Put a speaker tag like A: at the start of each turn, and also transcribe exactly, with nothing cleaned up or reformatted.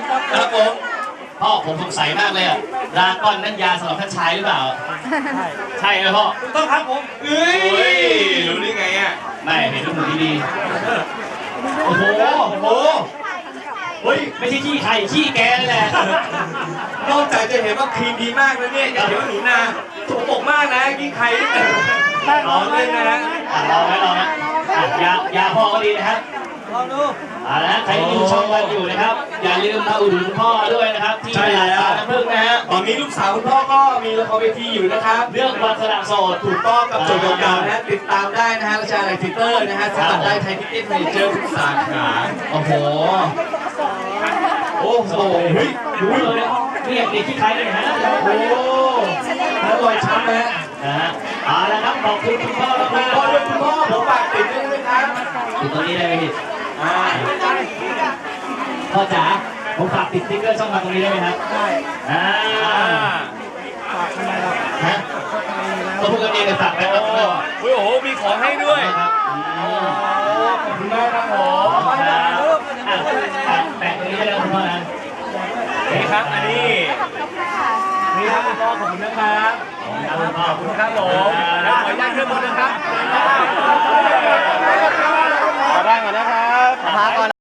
A: ครับผมพ่อผมสงสัยมากเลยอะดราก้อนนั่นยาสำหรับท่านชายหรือเปล่าใช่ไหมพ่อ
B: ถูกต้องครับผมเอ้ยรู้ได้ไงอ่ะ
A: ไม่เห็นรูปหนูดีๆโอ้โหโอ้โหเฮ้ยไม่ใช่ขี้ใครขี้แกนั่นแหละ
B: นอกจากจะเห็นว่าครีมดีมากแล้วเนี่ยยังเห็นว่าหนูนาสกปรกมากนะกินไข่ลองเล่นนะฮะ
A: ลองไหมลองไหมยายาพ่อก็ดีนะครับ
B: ลองดู
A: เอาละใครที่ดูช่องวันอยู่นะครับอย่าลืมมาอุดหนุนพ่อด้วยนะครับที่ตลาดปลาน้ำผึ้งนะฮะ
B: ตอนนี้ลูกสาวคุณพ่อก็มีละครเวทีอยู่นะครับ
A: เรื่องวันสละโสด
B: ถูกต้องกับโจทย์เก่าๆนะติดตามได้นะฮะราชาไลท์ทิเตอร์นะฮะสมัครได้ไทยทิเก็ตเมเจอร์ทุกสาขา
A: โอ้โห
B: โอ้โหเฮ้ย
A: ดูเลยนี่อย่างเด็กขี้ใครเลยฮะ
B: โอ้โหแล้วรอยช้ำนะ
A: ฮะเอาละครับขอบคุณคุณพ่อมากๆ
B: พ่อด้วยคุณพ่อผมฝากติดด้วยนะครับ
A: ติดตรงนี้ได้ไหมพี่พ่อจ๋าผมฝากติดสติ๊กเกอร์ช่องมาตรงนี้ได้ไหมครับได้อ่าฝากทำไมเราฮะต้องพูดกันเองเลยฝากไปครับ
B: โอ้โหมีของให้ด้วย
A: ครับ
B: ขอบคุณมากครับผม
A: แปะตรงนี้ได้แล้วคุณพ่อนะ
B: นี่ครับอันนี้นี่ครับคุณพ่อขอบคุณนะครับขอบคุณครับผมแล้วขออนุญาตขึ้นบนนะครับขอได้ก่อนนะครับพักก่อน